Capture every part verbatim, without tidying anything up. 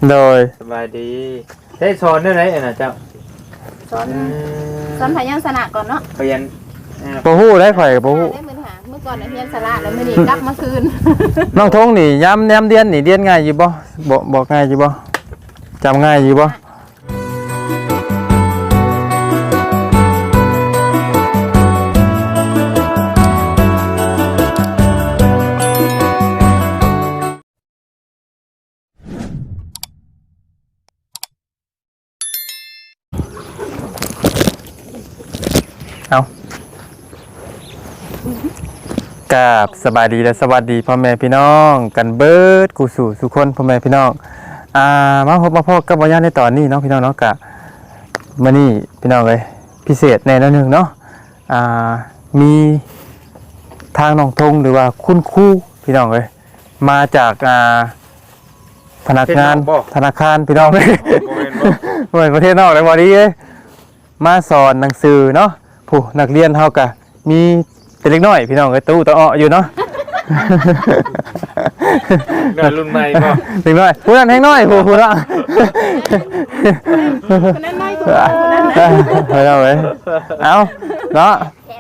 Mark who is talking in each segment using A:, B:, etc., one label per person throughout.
A: โดย
B: สบายดีได้สอนได้ไรอ่ะนะเจ้า
C: สอนสอนพยัญชนะก่อนเนาะ
B: พยัญ
A: บ่ฮู้ได้ข่อยบ่ฮู้
C: ได้มื้อหาเมื่อก่อนน่ะเรียนสระแล้วมื้อนี้กลับมาคืน
A: น้องทงนี่ย้ำแนมเรียนนี่เรียนง่ายอยู่บ่บ่บอกง่ายอยู่บ่จำง่ายอยู่บ่เอากราบสบายดีและสวัสดีพ่อแม่พี่น้องกันเบิดกูสู่สุคนพ่อแม่พี่น้องอ่ามาพบมาพบกับบ่ยานในตอนนี้เนาะพี่น้องเนาะกะมื้อนี้พี่น้องเอ้ยพิเศษแน่นอนนึงเนาะอ่ามีทางน้องทงหรือว่าคุณครูพี่น้องเอ้ยมาจากอ่าพนักงานธนาคารพี่น้องเอ้ยบ่แม่นประเทศนอกเลยบ่ดีเอ้ยมาสอนหนังสือเนาะผู้นักเรียนเฮากะมีแต่เล็กน้อยพี่น้องเอ้ยตู้ตะอ้ออยู่เนาะ
B: เด็กรุ่นใหม่ก็
A: เล็กน้อยผู้นั้นแฮงน้อยผู้ผู้เนาะ
C: คนนั้นน้อยกว่าคนนั้นนะ
A: เฮ้ยเอาเว้ยเอาเนาะ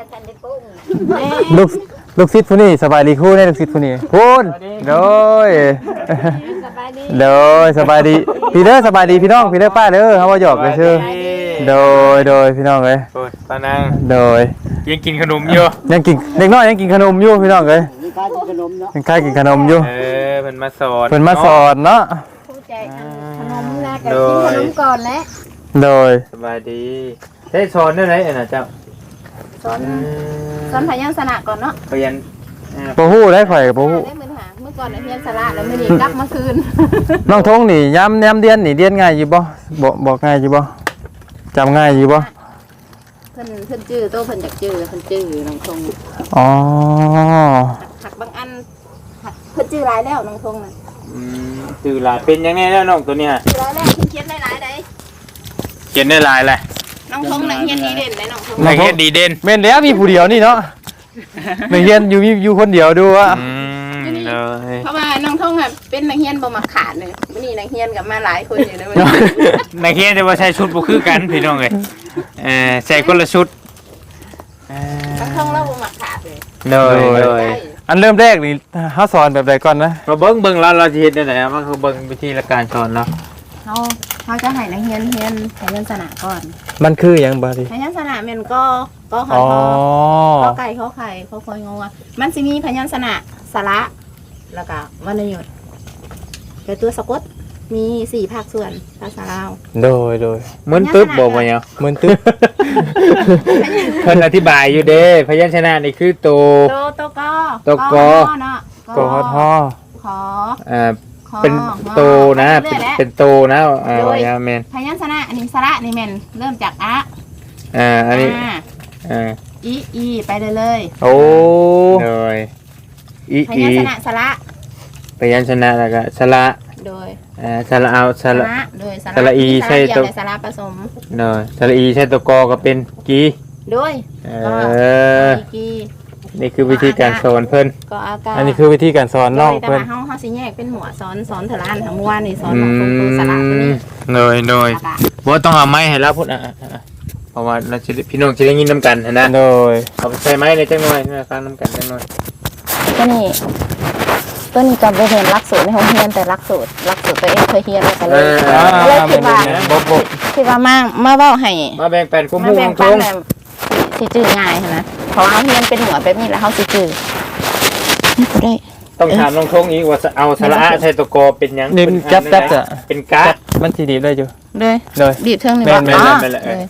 A: ลูกลูกศิษย์ผู้นี้สบายดีครูได้ลูกศิษย์ผู้นี้พูนโดยโดยสบายดีพี่เด้อสบายดีพี่น้องพี่เด้อป้าเด้อเฮาว่าหยอกเลยชื่อโดยโดยพี่น้องเอ้ย
B: โอ้ยป้านาง
A: โดย
B: ยังกินขนมอยู่
A: ยังกินเด็กน้อยยังกินขนมอยู่พี่น้องเอ้ยยังกล้ากินขนมเนาะยังกล้ากินขนมอยู่
B: เออเพิ่นมาสอน
A: เพิ่นมาสอนเนาะ
C: ผู้ใจขนมแรกก็กินขนมก่อนแล้ว
A: โดย
B: สบายดีได้สอนได้ไรอ่ะนะเจ้า
C: สอนสอนพยัญชนะก่อนเนาะ
B: พยัญ
A: บ่ฮู้ได้ข่อยบ่ฮู้
C: ได้มื้อหาเมื่อก่อนน่ะเรียนสระแล้วมื้อนี้กลับมาคืน
A: น้องทงนี่ย้ำแนมเรียนนี่เรียนง่ายอยู่บ่บ่บอกง่ายอยู่บ่จำง่ายอยู่บ่
C: เพิ่นเพิ่นจื้อโตเพิ่นอยากจื้อเพิ่นจื้อน้องทง
A: อ๋อ
C: หักบางอันหักเพิ่นจื้อหลายแล้วน้องทงน่ะ
B: อืมจื้อหลายเป็นยังไงแล้วน้องตัวเนี้ย
C: จื้อหลายแล้วเขียนได้หลายได้
B: เขียนได้หลายแหละ
C: น้องทงนักเรียนดีเด่นได้น้องทง
B: นักเรียนดีเด่น
A: แม่นแล้วมีผู้เดียวนี่เนาะนักเรียนอยู่มีอยู่คนเดียวดูว่า
B: อืมเลย
C: เพราะว่าน้องทงอ่ะเป็นนักเรียนบ่มักขาดเลยมื้อนี้นักเรียนกับมาหลายคนอยู่นะมื้อนี้
B: นักเรียนแต่ว่าใส่ชุดบ่คือกันพี่น้องเอ้ยเออใส่คนละชุด
C: น้องทงเราบ่มักขาดเลย
B: เลยเลย
A: อันเริ่มแรกนี่เฮาสอนแบบใดก่อนนะ
B: เราเบิ่งเบิ่งแล้วเราสิเฮ็ดได้ไหนอ่ะมันคือเบิ่งวิธีการสอนเนาะ
C: เฮาเฮาจะให้นักเรียนเรียนพยัญชนะก่อน
A: มันคือหยังบ่ดิ
C: พยัญชนะแม่นก็ก็ขอขอขอไก่ขอไข่ขอคอยงอมันสิมีพยัญชนะสระแล้วก็วรรณยุกต์แต่ตัวสะกดมีสี่ภาคส่วนภาษาลาว
A: โดยโดย
B: เหมือนตึ๊บบอกว่าหยัง
A: เหมือนตึ๊บ
B: เพิ่นอธิบายอยู่เด้พยัญชนะนี่คือโต
C: โตโตกอ
B: โตกอ
C: เนาะ
A: กอทอ
C: ขอ
B: อ่าเป็นโตนะเป็นเป็นโตนะอ่าว่าแม่น
C: พยัญชนะอันนี้สระนี่แม่นเริ่มจากอะ
B: อ่าอันนี้อ่า
C: อีอีไปเลยเลย
B: โอ้เลยอี
C: พยัญชนะสระ
B: พยัญชนะแล้วก็สระ
C: โดย
B: อ่าสระเอาสระ
C: โดย
B: สระอีใช่ตัว
C: สระผสม
B: เนาะสระอีใช่ตัวกอก็เป็นกี
C: โดย
B: เออกีนี่คือวิธีการสอนเพิ่น
C: ก็อากา
A: อันนี้คือวิธีการสอนน้อง
C: เพิ่นแต่ว่าเฮาเฮาสิแยกเป็นหมวดสอนสอนเทลานทั้งวันนี่สอนของตัวสระตัวนี้
B: เลยเลยบ่ต้องเอาไม้ให้เราพุ่นอ่ะเพราะว่าเราสิพี่น้องสิได้ยินนำกันนะ
A: โดย
B: เอาไปใส่ไม้ในจังหน่อยฟังนำกันจังหน่อย
C: ตัวนี้ตัวนี้ก็บ่เรียนหลักสูตรในโรงเรียนแต่หลักสูตรหลักสูตรตัวเองเคยเรียนแล้วก็เลยเลยคิดว่าคิดว่ามามาเว้าให้
B: มาแบ่งปันคุ้มฮู้ของทง
C: สิจื้อง่ายนะเพราะเฮาเรียนเป็นหมวดแบบนี้แล้วเฮาสิจื้อนี่บ่ได้
B: ต้องถามน้องทงอีกว่าเอาสระใส่ตัวกอเป็นหยัง
A: เป็นจับๆอ่ะ
B: เป็นกะ
A: มันสิดีได้อยู่
C: เลย
A: เลย
C: บีบเทิงนี่
B: บ่
C: อ๋อ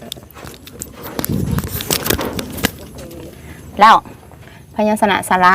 C: แล้วพยัญชนะสระ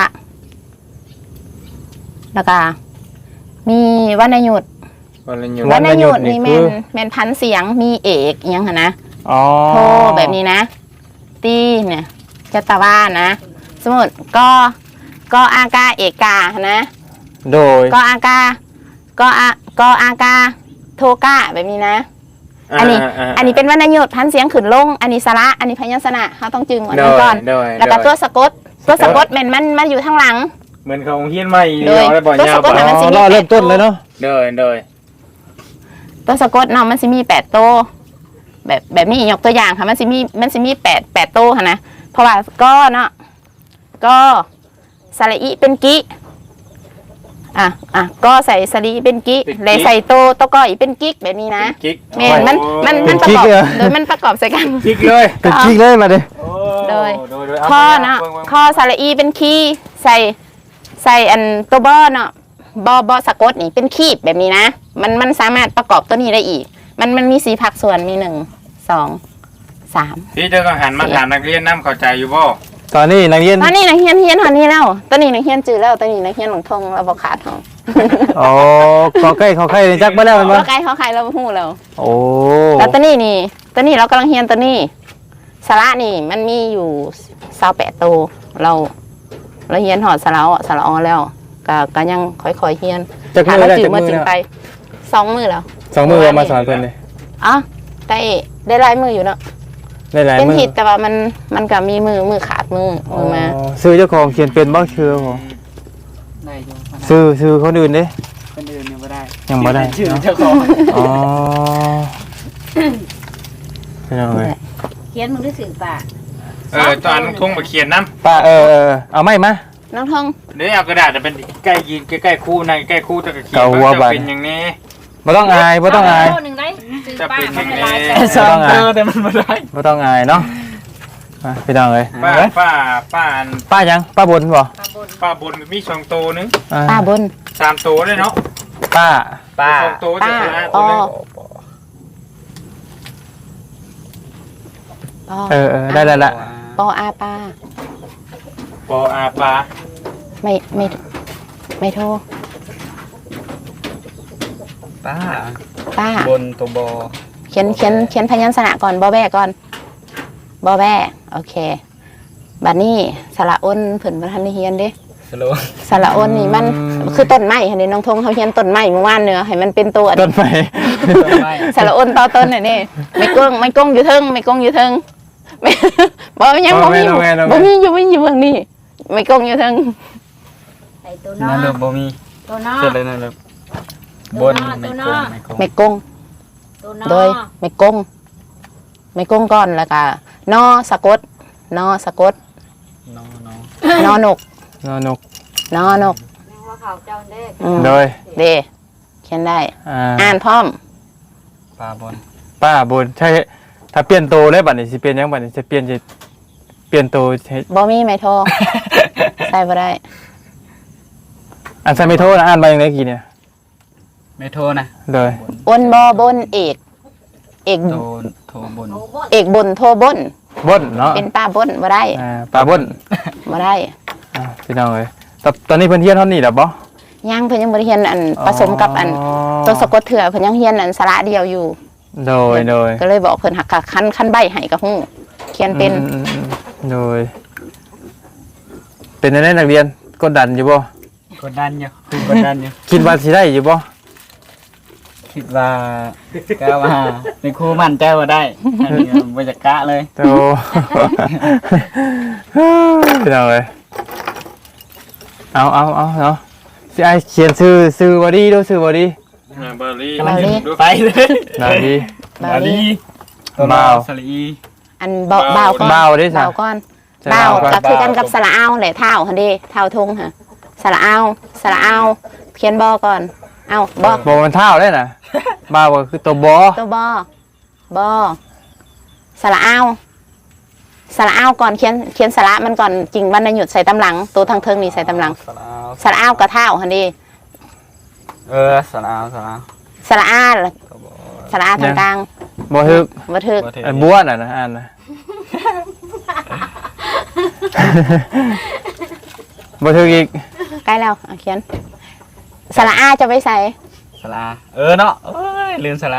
C: แล้วก็มีวรรณยุกต์
B: วรรณยุ
C: กต์นี่แม่นแม่นพันเสียงมีเอกอยังหั่นนะ
A: อ๋อ
C: โทแบบนี้นะตีเนี่ยจัตวานะสมมุติก็ก็อากาเอกานะ
A: โดย
C: ก็อากาก็อาก็อากาโทกะแบบนี้นะอันนี้อันนี้เป็นวรรณยุกต์พันเสียงขึ้นลงอันนี้สระอันนี้พยัญชนะเขาต้องจึงอันนี้ก่อนแล้วก็ตัวสะกดตัวสะกดแม่นมันมันอยู่ข้างหลัง
B: เหมือนเขาเฮียนใหม่
A: เราเริ่มต้นเลยเนาะ
B: เดินเดิน
C: ตัวสะกดเนาะมันสิมีแปดโตวแบบแบบนี้ยกตัวอย่างค่ะมันสิมีมันสิมีแปดแปดโตวค่ะนะเพราะว่าก็เนาะก็สระอีเป็นกิอ่ะอ่ะก็ใส่สระอีเป็นกิเลยใส่โตโตวก็อีเป็นกิกแบบนี้นะ
B: กิ๊ก
C: แม่นมันมันมันประกอบโดยมันประกอบใส่กัน
B: กิ๊กเลย
A: เป็นจริงเลยมาดิ
C: โดย
B: โดยโดยเอา
C: ข้อ
B: ไป
C: เนาะ
B: เบิ่งเบิ่ง
C: ข้อสระอีเป็นคีย์ใส่ใส่อันตัวบอเนาะบอบอสะกดนี่เป็นคีบแบบนี้นะ มันมันสามารถประกอบตัวนี้ได้อีก มันมันมีสีผักส่วนมีหนึ่งสองสาม
B: พี่เจ้าก็หันมาถามนักเรียนน้ำเข้าใจอยู่บ่
A: ตอนนี้นักเรียน
C: ตอนนี้นักเรียนเฮียนตอนนี้แล้วตอนนี้นักเรียนจืดแล้วตอนนี้นักเรียนหลงทงเราบอกขาดทอง
A: โอ้ขอใกล้ขอใกล้ในจักมาแล้วแมันบ่
C: เราไกลเขาใครเราหู้แล้ว
A: โอ้
C: แล้วตอนนี้นี่ตอนนี้เรากำลังเฮียนตัวนี้สาระนี่มันมีอยู่สาวแปดตัวเราเราเฮียนหอดสาระอ่ะสาระออแล้วก็ก็ยังค่อยๆเฮียน
A: จัก
C: หา
A: มือ
C: เรา
A: แล้ว
C: จื
A: จั
C: ด
A: ก
C: มา
A: มือ
C: จืด
A: แล้ว
C: ไปสองมือแล้ว
A: สองมือเอามาสอนเพิ่นเลย
C: อ๋อได้ได้ลายมืออยู่เนาะ
A: ได้หลาย
C: เป็น
A: มือ
C: ผิดแต่ว่ามันมันก็มีมือมือขาดมือมือมา
A: อ๋อซื้อเจ้าของเขียนเป็นบ่ชื่อบ่
D: ได้อยู่
A: ซื้อซื้อคนอื่นเด้
D: คนอื่นยังไม่ได้
A: ยังบ่ได้
D: ชื่อ
A: เนาะ
D: เจ้าของ
A: อ๋อเป็นยังไง
E: เขียนมึงได้สื่อป่ะ
B: เออตอนทุ่งมาเขียนน้
A: ป้าเออเออเอาไม้มา
C: น้องทอง
B: ำเดี๋ยวเอากระดาษจะเป็นใกล้ยืนใกล้ๆคู่นั่งใกล้ๆคู่จะเขียน
A: เกาหัว
B: จะ
A: บัด
B: เป็นอย่างนี้
A: บ่ต้องอายบ่ต้องอาย
E: โหนึ่งได้สื่อ
B: จะ
E: ป่ะ
B: เป็น
E: มัน
B: ยังไง
E: ลายแต่
D: สองเจอแต่มันไม่ได้
A: บ่ต้องอายเนาะมาพี่น้องเอ้ย
B: ป้าป้าป้าอัน
A: ป้ายังป้าบนบ่
E: ปลาบน
B: ป้าบนมีสองโตวนึง
A: อ่า
C: ป้าบน
B: สามโตวเลยเนาะ
A: ป้า
D: ป้า
B: สองโตวจะ
C: ป้า
B: ชนะ
C: อ๋
B: ตัว
C: อ
B: นึง
C: ปอ
A: เออเออได้แล้วละ
C: ปออาป้า
B: ปออาปลา
C: ไม่ไม่ไม่โทร
D: ป้า
C: ป้า
D: บนตัวบอ
C: เขียนเขียนเขียนพยัญชนะก่อนบอแบก่อนบอแบโอเคบัดนี้สระอ้นเพิ่นบ่ทันได้เฮียนเด้
D: สโลว์
C: สระอ้นนี่มันคือต้นไม้ค่ะเด้น้องทงเขาเฮียนต้นไม้เมื่อวานเนื้อให้มันเป็นตัว
A: ต้นไม้
D: ไม่
C: สระอ้นต่อต้นน่ะนี่ไม่กงไม่กงอยู่เทิงไม่กงอยู่เทิง ไม่บ่ยังบ่มีอยู่บ่มีอยู่บ่มีอยู่เมืองนี้ไม่กงอยู่เทิง
E: ใส่ตัวนอ
D: นั่นเลยบ่มี
E: ตัวนอ
D: เจอเลยนั่นเลยบนไม่โกงไม่โกง
C: ไม่กง
E: ตัวนอ
C: โดยไม่กงไม่กงก่อนแล้วก็นอสะกดนอสะกด
D: น้องน้อง
C: นอนก
A: นอนก
C: นอนก
E: แมงว่าเขาเจ้าเด้
C: อืม
A: โดย
C: เดเขียนได้
A: อ่า
C: อ่านพร้อม
D: ป้าบน
A: ป้าบนใช่ถ้าเปลี่ยนโตเลยบัดนี้สิเปลี่ยนยังบัดนี้จะเปลี่ยนจะเปลี่ยนโตให้
C: บ่มีไม่โทร ใส่บ่ได้
A: อันใส่ไม่โทษนะอ่านมาอย่างไรกี่เนี่ย
D: ไม่โทรนะ
A: โดย
C: อ้นบ่บนเอก เอก
D: โทรโทรบน
E: โอ้บ่
C: เอกบนโทรบน
A: บนเนาะ
C: เป็นป้าบนบ่ได้
A: อ่าป้าบน
C: บ่ได้
A: อ่าพี่น้องเอ้ยตอนตอนนี้เพิ่นเฮียนเท่านี้แล้วบ่
C: ยังเพิ่นยังบ่ได้เรียนอันผสมกับอันตัวสะกดเถื่อเพิ่นยังเรียนอันสระเดียวอยู่
A: โดยโดย
C: ก็เลยบอกเพิ่นหักกะคันคันใบให้กับฮู้เขียนเป็น
A: อืมอืมอืมโดย เป็นในนักเรียนกดดันอยู่บ่
D: กดดันอยู่คือกดดันอยู่
A: คิดว่าสิได้อยู่บ่
D: คิดว่าก้าวว่าในครูมั่นใจว่าได้อันนี้บรรยากาศเลย
A: โต พี่น้องเอ้ยเอาเอาเอาเนาะสิไอเขียนชื่อชื่อบ่ดีดูชื่อบ่ดี
B: อ่าเบอร์รี่
C: เบอร์รี่
B: ดู
D: ไปเลย
A: น่าดี
C: บาวลี
A: บ่าว
D: สลี
C: อันบ่บ่าวก่อน
A: บ่าวดิจ้ะ
C: บ่าวก่อน
A: ใช่
C: บ่าว
A: บ่าวก่อน
C: ก็คือกันกับสระเอาแหละเท้าหั่นเด้เท้าทงค่ะสระเอาสระเอาเขียนบ่ก่อน เอาบ่
A: บ่มันเท่าได้น่ะบ่าวก็คือตัวบ่
C: ตัวบอบอสระเอาสระเอาก่อนเขียนเขียนสระมันก่อนจริงบรรณยุดใส่ตำหลัง ตัวทางเทิงนี่ใส่ตำหลัง
D: สลาว
C: สระเอากระเท้าหันดี
D: เออสลาวสลาว
C: สระอาสระอาทางกลาง
A: บ่ฮึก
C: วัทึก
D: บ่เท่
A: อันบัวน่ะนะอ่านนะ บ่ถึกอีก
C: ใกล้แล้วเอาเขียนสระอาจะไปใส่
D: สลาเออเนาะเอ้ยลืมสลา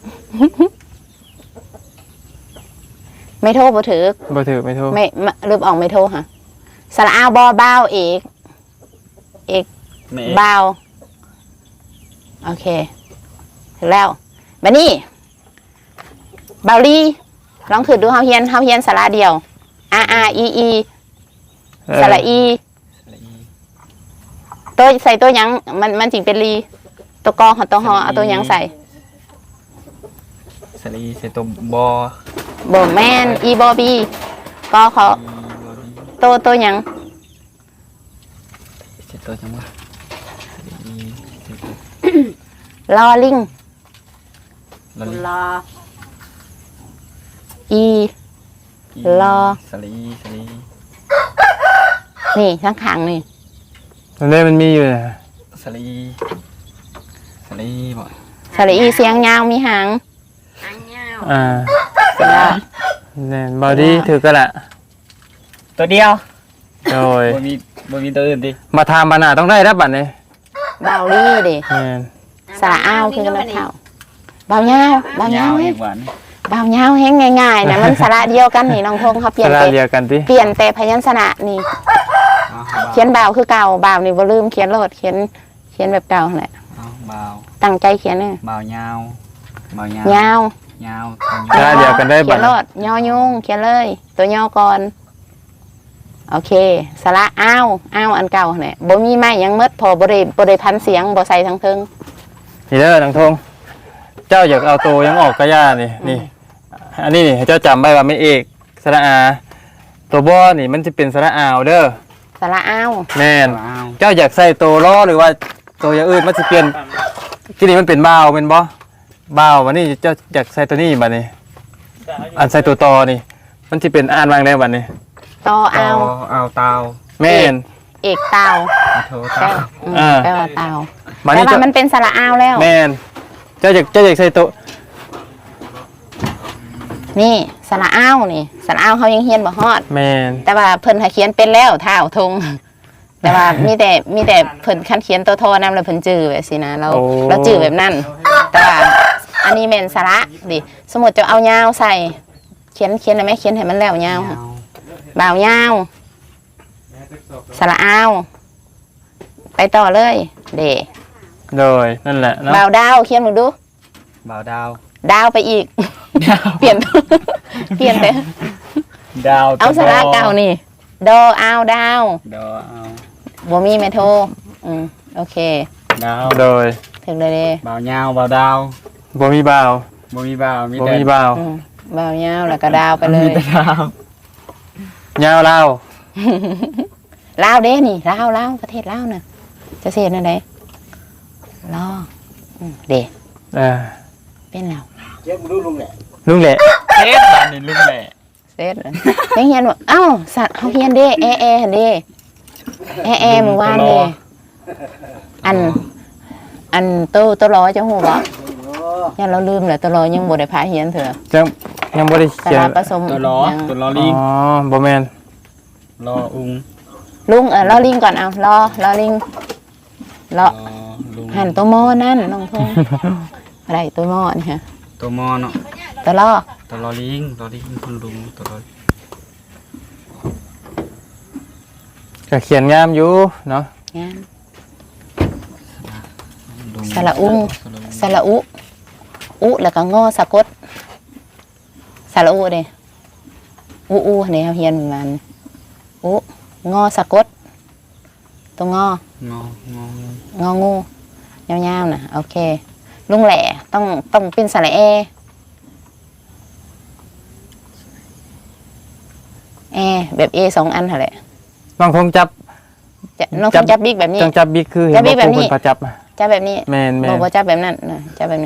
C: ไม่โทรบ่ถือ
A: บ่ถึกไม่โทษ
C: ไม่ไม่ลืมออกไม่โทรค่ะสระอาบอบ้าวเอกเอก
D: แม่
C: บ้าวโอเคถึงแล้วบัดนี้บาวลีลองถือดูเฮาเฮียนเฮาเฮียนสระเดียว R R E E สระอี
D: สลี
C: ตัวใส่ตัวหยังมันมันจิงเป็นลีตัวกอของตัวหอเอาตัวหยังใส่
D: สลีใส่ตัวบอ
C: บ่แม่นอีบอบีก็เขาโตโตหยัง
D: ใส่ตัวจังวะสลีใส่ตัว
C: ลอลิง
D: ลอลิ
E: รอ
C: อี ลอ
D: สลีสลี
C: นี่ทั้งขางนี่
A: ตอนนี้มันมีอยู่นะ
D: สลีสลีบ่
C: สระอีเสียงยาวมีหาง
E: อันเงา
A: อ่า
C: เสร็จแล้ว
A: แน่นบอดี้ถือก็ละ
D: ตัวเดียว
A: โดย
D: บ่มีบ่มีตัวอื่นดิ
A: มาทำบานาต้องได้รับบัตรนี่
C: เบาลี่เด้
A: แม่น
C: สระอ้าวคือกันเท่าเบาเงาวเบาเงาว
D: อี
C: เฮ้ย
D: กหวาน
C: เบาเงาวแห้งง่ายๆนะมันสระเดียวกันนี่น้องทงเขาเปลี่ย
A: ส
C: น
A: ระ
C: แต่
A: เดียวกันติ
C: เปลี่ยนแต่พยัญชนะนี่
D: เอา
C: เขียนเบาคือเก่าเบานี่บ่ลืมเขียนโลดเขียนเขียนแบบเก่าแหละ
D: เอาเบา
C: ตั้งใจเขียนเนี่ย
D: เบายาวเบายาว
C: ยาว
D: ยาว
A: สระเดียวกันได้
C: เขี
A: บั
C: ย
A: ต
C: น
A: ร
C: โลดยอยุงเขียนเลย ตัวย่อก่อนโอเคสระอ้าวอ้าวอันเก่าแหละบ่มีไม้หยังหมดพอบ่ได้บ่ได้พันเสียงบ่ใส่ทั้งเทิง
A: นี่เด้อทางทงเจ้าอยากเอาตัวยังออกกระยานี่นี่อันนี้นี่ให้เจ้าจำไว้ว่าไม่เอกสระอาตัวบ่อนี่มันจะเป็นสระอาวเด้อ
C: สระอ้าว
A: แม่น
D: อ้าว
A: เจ้าอยากใส่ตัวล้อหรือว่าตัวอย่างอื่นมันจะเปลี่ยนที่นี่มันเป็นบ่าวเป็นบ่บ่าววันนี้เจ้าอยากใส่ตัวนี้บัดนี้ อันใส่ตัวตอนี่ มันจะเป็นอ่านวางได้บัดนี้
C: ต่อ
D: เอา
C: อ้าว
D: เอาเตา
A: แม่น
C: เอกเตา
D: เอาโถ
C: แปล
D: เตา
C: ว่าอืม
A: อ่า
C: แปลว่าเตา
A: บัด
C: แต่
A: นี้
C: ว่า
A: เจ้า
C: มันเป็นสระอ้าวแล้ว
A: แม่นเจ้าอยากเจ้าอยากใส่ตัว
C: นี่สระอ้าวนี่สระอ้าวเขายังเฮียนบ่ฮอด
A: แม่น
C: แต่ว่าเพิ่นหาเขียนเป็นแล้วเท้าทง แต่ว่ามีแต่มีแต่เพิ่นคันเขียนตัวโทนำแล้วเพิ่นจื้อแบบสินะเราเราจื้อแบบนั้น แต่ว่าอันนี้แม่นสระดิสมมุติจะเอายาวใส่ เขียนเขียนได้ไหมเขียนให้มันแล้วยาว
D: เอา
C: บ่าวยาวสระอ้าวไปต่อเลย เด
A: โดยนั่นแหละเนาะ
C: บ่าวดาวเขียนมึงดู
D: เบาดาว
C: ดาวไปอีก เปลี่ยน เปลี่ยนไป
D: ดาว
C: เอาสระเก่านี่ดออ้าวดาว
D: ดาวเอา
C: บ่มีแม่โทรอืมโอเค
D: ดาว
A: โดย
C: ถึงเลยเด้
D: เบายาวเบาดาว
A: บ่มีบ่าว
D: บ่มีเบามี
A: บ่
D: แต่
A: มีบ่าว
C: อืมบ่าวยาวแล้วก็ดาวไปเล
D: มี
C: ย
D: แต่ดาวย
A: าวลาว
C: ลาวเด้นี่ลาวลาวประเทศลาวน่ะจะเสียนั่นไดลออืมเด้
A: เออ
C: เป็นแล้ว
A: ลุงแหละ
D: เฮ็ดบ้านนี่ลุงแหละ
C: เสร็จแล้วยังเฮียนว่าเอ้าสัตว์เขาเฮียนเด้แอแอหั่นเด้แอแอเมื่อวานเด้อัน อันโตโตรอจังหูบ่ยังเราลืมเลยโตรอยังบ่ได้พาเฮียนเถอะ
A: ยังยังบ่ได้
C: สา
A: เขียน
C: ราผสม
D: ตัวล้อ
C: ยัง
D: ตัวล้อ
A: อ๋
D: ลิง
A: อบ่แม่น
D: ล้ออุง
C: ลุงเออรอลิงก่อนเอารอรอลิงรอ
D: ล้อลุง
C: หันตัวหม้อนั่นน้องพง อะไรตัวหม้อนี่ฮะ
D: ตัวมอเนาะ
C: ตัวรอ
D: ตัวล้อลิงล้อลิงคุณลุงตัวล้อ
A: ก็เขียนงามอยู่เนาะ
C: งาน
D: ลุง
C: สระอุง สระอุ อุแล้วก็งอสะกดสระอุเด้อุอุเนี่ยเขาเฮียนมันอุงอสะกดตัวงอ
D: งองอ
C: งองูยาวๆนะโอเค ลุงแหล่ต้องต้องเป็นสระเอแอแบบเอสองอันเหรอแหละ
A: น้องคงจับ
C: จะน้อง
A: จั
C: จับบ จับบิ๊กแบบนี้
A: จังจับบิ๊กคือ
C: จั
A: เห็
C: บ
A: น
C: บิ๊
A: บ่
C: กแบบ
A: ครู
C: นี้
A: เพิ่นพาจับอะ
C: จับแบบนี้
A: แม่นแม่
C: บ
A: น
C: อกว่าจับแบบนั้นนะจับแบบนี้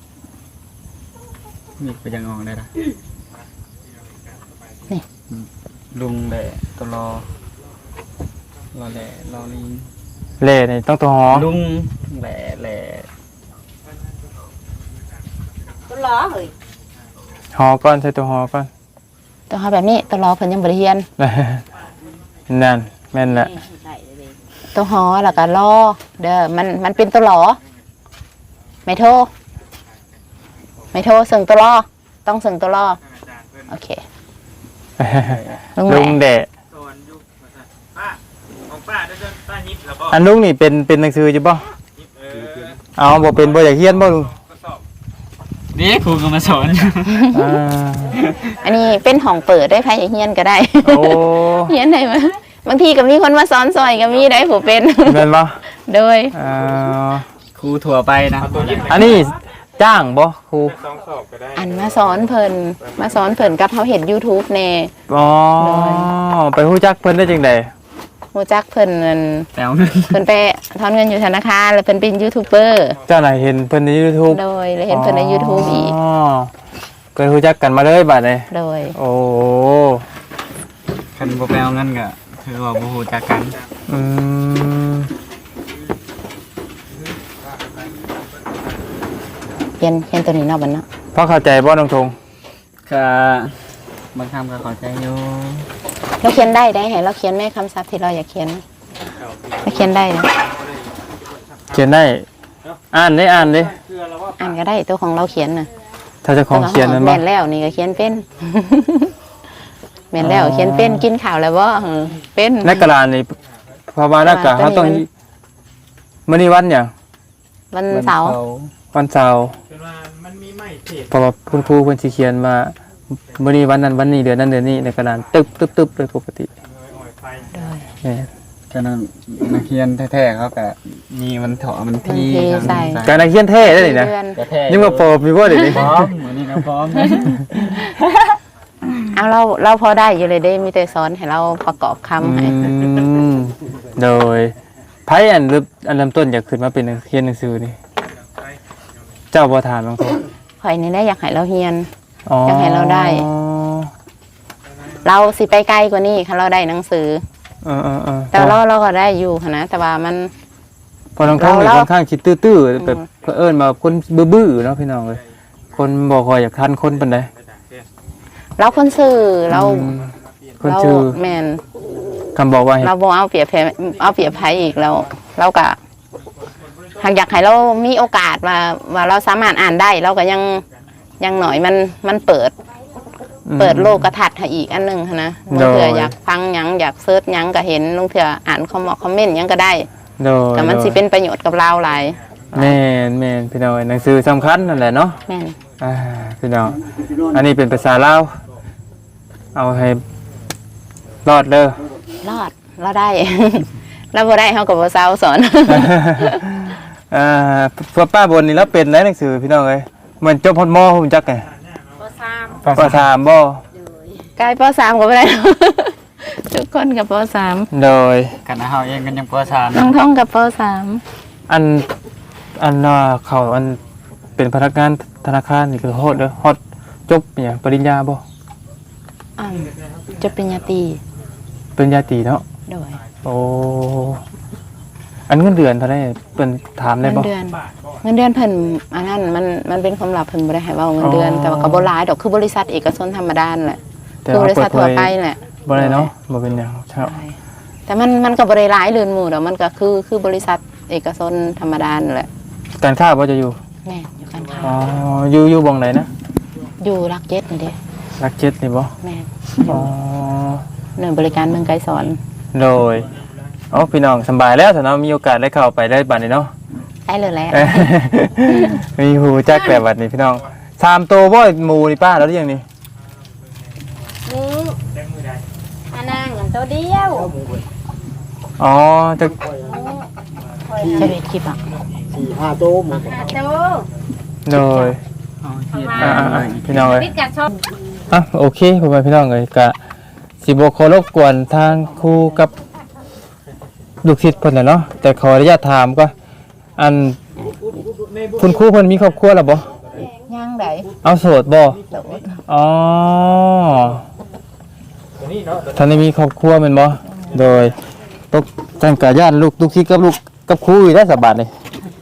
D: มีไปยังออกได้ละลุงแหละตัวล้อล้อแหละล้อลิง
A: เล่นี่ต้องตัวหอ
D: ลุงแหล่แหล่
E: ตัวล้อเฮ้ย
A: หอก่อนใส่ตัวหอก่อน
C: ตัวเขาแบบนี้ตัวรอเพิ่นยังบริเฮียน
A: นั่นแม่นแหละ
E: ใส่เลย
C: ตัวหอแล้วก็รอเด้อมันมันเป็นตัวหลอไม่โทรไม่โทรส่งตัวรอต้องส่งตัวรอโอเคลุงแห
A: ลุ
C: ล่
A: งแดะ
B: ป้าของป้าได้จนป้ายิบแล้วบ่
A: อันลุงนี่เป็นเป็นหนังสืออยู่บ่
B: ยิบเออ
A: เอาบ่เป็นบ่อยากเฮียนบ่ลุง
B: ก็สอบ
D: นี่ครูก็มาสอน
A: อ่า
C: อันนี้เป็นห้องเปิดได้ไผอยากเฮียนก็ได้
A: โอ้
C: เฮียนได้มาบางทีก็มีคนมาสอนซอยก็มีได้ผู้เป็น
A: แม่นบ่
C: โดย
A: อ่า
D: ครูถั่วไปนะ
A: อันนี้จ้างบ่ครู
B: สองสอบก็ได้
C: อันมาสอนเพิ่นมาสอนเพิ่นกับเฮาเห็น YouTube แน่
A: อ๋อ
C: โดย
A: ไปฮู้จักเพิ่นได้จังได๋
C: ฮู้จักเพิ่นนั่น
D: แปลวเงิน
C: เพิ่นไปถอนเงินอยู่ธนาคารแล้วเพิ่นเป็นยูทูบเบอร์
A: เจ้าน่ะเห็นเพิ่นใน YouTube
C: โดยแล้วเห็นเพิ่นใน YouTube อีก
A: อ๋อก็ฮู้จักกันมาเลยบัดนี้
C: โดย
A: โอ้
D: คันบ่แปลวเงินก็คือว่าบ่ฮู้จักกัน
A: อืม
C: เขียนเขียนตัวนี้เนาะบัดเนาะ
A: พอเข้าใจบ่น้องทง
D: ก็บางคำก็เข้าใจอยู่
C: เราเขียนได้ได้ให้เราเขียนแม่คำศัพท์ที่เราอยากเขียนเราเขียนได้นะ
A: เขียนได้ อ่านได้อ่านดิ
C: อ่านก็ได้ตัวของเราเขียนน่ะ
A: ถ้าเจะของเขียนนั่นบ่
C: แม่นแล้วนี่ก็เขียนเป็น แม่นแล้วเขียนเป็นกินข้าวแล้วบ่เออเป็น
A: ในกระดานนี่เพราะว่านักกะ
C: อ่า
A: เขาต้อง
C: ตัวนี้
A: มื้อนี้วันหยัง
C: วันเสาร์
A: วันเสาร์
B: เป็นว่ามันมีไม้เทป
A: เพราะว่าคุณครูเพิ่นสิเขียนว่ามื้อนี้วันนั้นวันนี้เดือนนั้นเดือนนี้ในกระดานตึ๊บตึ๊บตึ๊บเลยปกติ
B: อ่อยไฟ
A: แม่น
D: ก็นั่นนักเรียนแท้ๆเขาก็มีมันเถาะมัน
C: มัน
D: ที่
C: เทใส่
A: การนักเขียนเท่ได้นี่นะ
C: เดือน
D: ก็แท้
A: ยังมาโปรบอยู่บ่เดี๋ยวนี้
D: พร้อมมื้อนี้ก็พร้อม
C: เอาเราเราพอได้อยู่เลยได้มีแต่สอนให้เราประกอบคำให้
A: อืมโดยไผอันเริ่มอันเริ่มต้นอยากขึ้นมาเป็นนักเขียนหนังสือนี่เจ้าบ่ถามน้องทง
C: ข่อยนี่แหละอยากให้เราเฮียน
A: อ๋อ
C: อยากให้เราได้ เราสิไปไกลกว่านี้ค่ะเราได้หนังสือ
A: เออเออๆๆ
C: แต่เราเราก็ได้อยู่ค่ะนะแต่ว่ามัน
A: พอน้องทงนี่
C: เรา
A: ค่อนข้างคิดตื้อๆแบบ
C: อืม
A: เผอิญมาคนบื้อๆเนาะพี่น้องเอ้ยคนบ่ค่อยอยากทันคนปานใด
C: เราคนสื่อเรา
A: อืมคน
C: เรา
A: ชื่อ
C: แมน
A: คำบอกว่าให้
C: เราบ่เอาเปรียบแพ้เอาเปรียบไผอีกเราเราก็หากอยากให้เรามีโอกาสว่าว่าเราสามารถอ่านได้ เราก็ยังยังหน่อยมันมันเปิด เปิดโลกทัศน์ให้อีกอันหนึงหั้นนะบางเถื่ออยากฟังหยังอยากเซิร์ชหยังก็เห็นลุงเถื่ออ่านคอมเมนต์คอมเมนต์หยังก็ได้
A: โดย
C: แต่มันสิเป็นประโยชน์กับเราหลาย
A: แม่นแม่นพี่น้องเอ้ยหนังสือสำคัญนั่นแหละเนาะ
C: แม่น
A: อ่าพี่น้องอันนี้เป็นภาษาลาวเอาให้รอดเด้อ
C: รอดเราได้ เราบ่ได้เฮาก็บ่เซาสอน
A: อ่าพวกป้าบนนี่แล้วเป็นไหนหนังสือพี่น้องเอ้ยมันจบพอดมอผมจักไง
E: บ่ซ้
A: ปสามบ่
C: กลายปสามก็บ่ได้ ทุกคนกับปสาม
A: โดย
D: กันเฮาเองกันยังปสาม
C: น้องท่องกับปสาม
A: อันอันน่ะเขาอันเป็นพนักงานธนาคารนี่คือโฮดเด้อฮอดจบเนี่ยปริญญาบ่
C: อ่าจะปริญญาตรี
A: ปริญญาตรีเนาะ
C: โดย
A: โอ้อันเงินเดือนเท่าไหร่เพิ่นถามได้
C: เงิน
A: บ่
C: เดือน เงินเดือนเพิ่นอันนั้นมันมันเป็นความลับเพิ่นบ่ได้ให้เว้าเงินเดือน
A: อ๋อ
C: แต่ว่าก็บ่หลายดอกคือบริษัทเอกชนธรรมดานั่นแหละ
A: แต่
C: คือบ
A: ว่า
C: ริษัท
A: เปิด
C: ทั่ว
A: เผย
C: ไปแหละ
A: บ่ได้เนาะบ่เป็นหยังครับ
C: ใช่แต่มันมันก็บ่ได้หลายเรือนหมู่ดอกมันก็คือคือบริษัทเอกชนธรรมดานั่นแหละ
A: การค้าบ่จะอยู่
C: แม่นอยู่กันค่ะ
A: อ๋ออยู่อยู่บ่งไหนนะ
C: อยู่รักเจ็ดนี่เด้
A: รักเจ็ดนี่บ่
C: แม่น
A: อ๋อ
C: หน่วยบริการเมืองไกรสอน
A: โดยอ๋อพี่น้องสำบายแล้วถ้าเนาะมีโอกาสได้เข้าไปได้บัดนี้เนาะ
C: ได้เลยแหละ
A: เอ้ยมีหูจักแบบบัดนี้พี่น้องสามโตวบ่หมู่นี่ป้าแล้วหรือยังนี่
E: ำนี่อันนั่งอันตัวเดียว
A: อ๋อจะ
C: จะเป็นคลิปอ่ะ
E: หาตัว
A: โดย
D: เอาเฮ็ด
A: อ่าๆๆพี่น้องเอ้ย
E: พิดกัดชอบ
A: อ่ะโอเคพ่อแม่พี่น้องเอ้ยกะสิบ่ขอรบกวนทางครูกับลูกศิษย์เพิ่นน่ะเนาะแต่ขออนุญาตถามก็อันคุณครูเพิ่นมีครอบครัวแล้วบ่
C: ย่างได
A: เอาโสดบ่
C: โดด
A: อ๋อท่านได้มีครอบครัวแม่นบ่โดยตกจังกะญาติลูกลูกศิษย์กับลูกกับครูอยู่ได้สบายนี่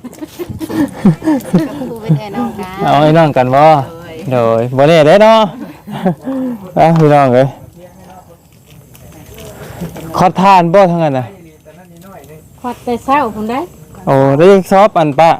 C: ครูเป็นไอ้น้องกัน
A: เอาไอ้น้องกันบ่โดยบ่แน่เด้เนาะ อ่ะพี่น้องเอ้ยขอทานบ่ทั้งนั้นน่ะ
E: ขอดแต่เศร้าผมได้
A: โอ้ได้ซอบอันปะ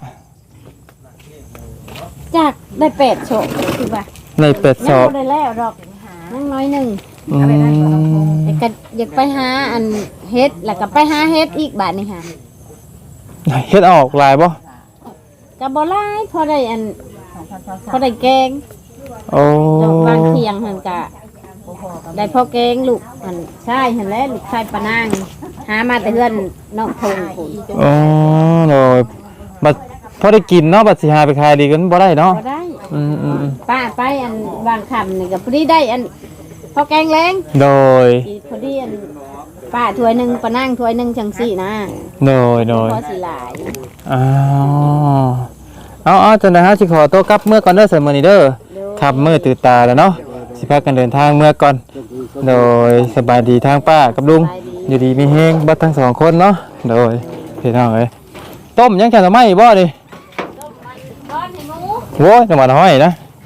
E: จากได้เป็ดโฉบคือว่า
A: ในเป็ดซ
E: ยัง
A: อบ
E: บ่ได้แล้วดอกนั่งน้อยหนึ่ง
A: อืม
E: แต่ก็อยากไปหาอันเฮ็ดแล้วก็ไปหาเฮ็ดอีกบาทนี่ค่ะ
A: เฮ็ดออกลายบ่
E: ก็บ่หลายพอได้อันพอได้แกง
A: โอ้
E: ดอกบางเที่ยงหั่นก็ได้พอแกงลูกอันใช่หั่นแหละลูกชายปะนางหามาแต่เฮือนนอกทงพุ่น
A: โอ้โดยบัดพอได้กินเนาะบัดสิหาไปขายดีกันบ่ได้เนาะ
E: บ่ได้
A: อืมอืมอืม
E: ป้าไปอันบางคำนี่ก็พอดีได้อันพอแกงแรง
A: โดย
E: อีพอดีอันป้าถ้วยหนึงป้านั่งถ้วยหนึงจังสี่นะ
A: โดยโดย
E: พอสิหลาย
A: อ้าวเอาเอาจังได๋ฮะสิขอตัวกลับเมื่อก่อนเด้อเสมอนี้เด้อขับมื้อตื่นตาแล้วเนาะสิพากันเดินทางเมื่อก่อน โดยสบายดีทางป้ากับลุงอยู่ดีมีเฮงเบัดทั้งสองคนเนาะโดยพี่น้องเอ้ยต้มยังแค่ทำไมบ่ดิ
E: ก้อนให้หมู
A: โว้ยจังหวัดห้อยนะ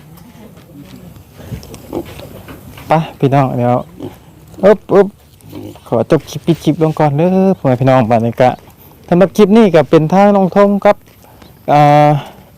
A: ไปพี่น้องเดี๋ยวอึ๊บอึ๊บขอจบคลิปปิดคลิปลงก่อนเด้อพ่อแม่พี่น้องบัดนี้กะสำหรับคลิปนี้ก็เป็นทางน้องทงครับอ่า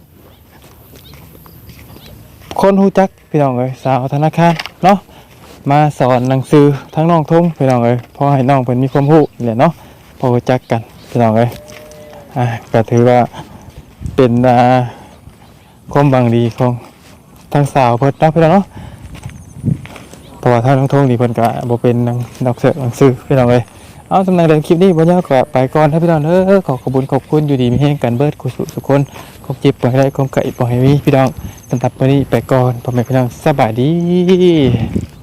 A: คนฮู้จักพี่น้องเอ้ยสาวธนาคารเนาะมาสอนหนังสือทั้งน้องทงพี่น้องเอ้ยพอให้น้องเพิ่นมีความรู้นี่แหละเนาะพอรู้จักกันพี่น้องเอ้ยอ่าก็ถือว่าเป็นอ่าความหวังดีของทางสาวเพิ่นเนาะพี่น้องเนาะเพราะว่าทางน้องทงนี่เพิ่นก็บ่เป็นหนังดอกเสือหนังสือพี่น้องเอ้ยเอาสำหรับเดินคลิปนี้บ่ยาวก็ไปก่อนนะพี่น้องเด้อขอขอบคุณขอบคุณอยู่ดีมีแรงกันเบิดกุศลทุกคนคงจิบบ่ให้ได้คงไก่บ่ให้มีพี่น้องสำหรับวันนี้ไปก่อนพ่อแม่พี่น้องสบายดี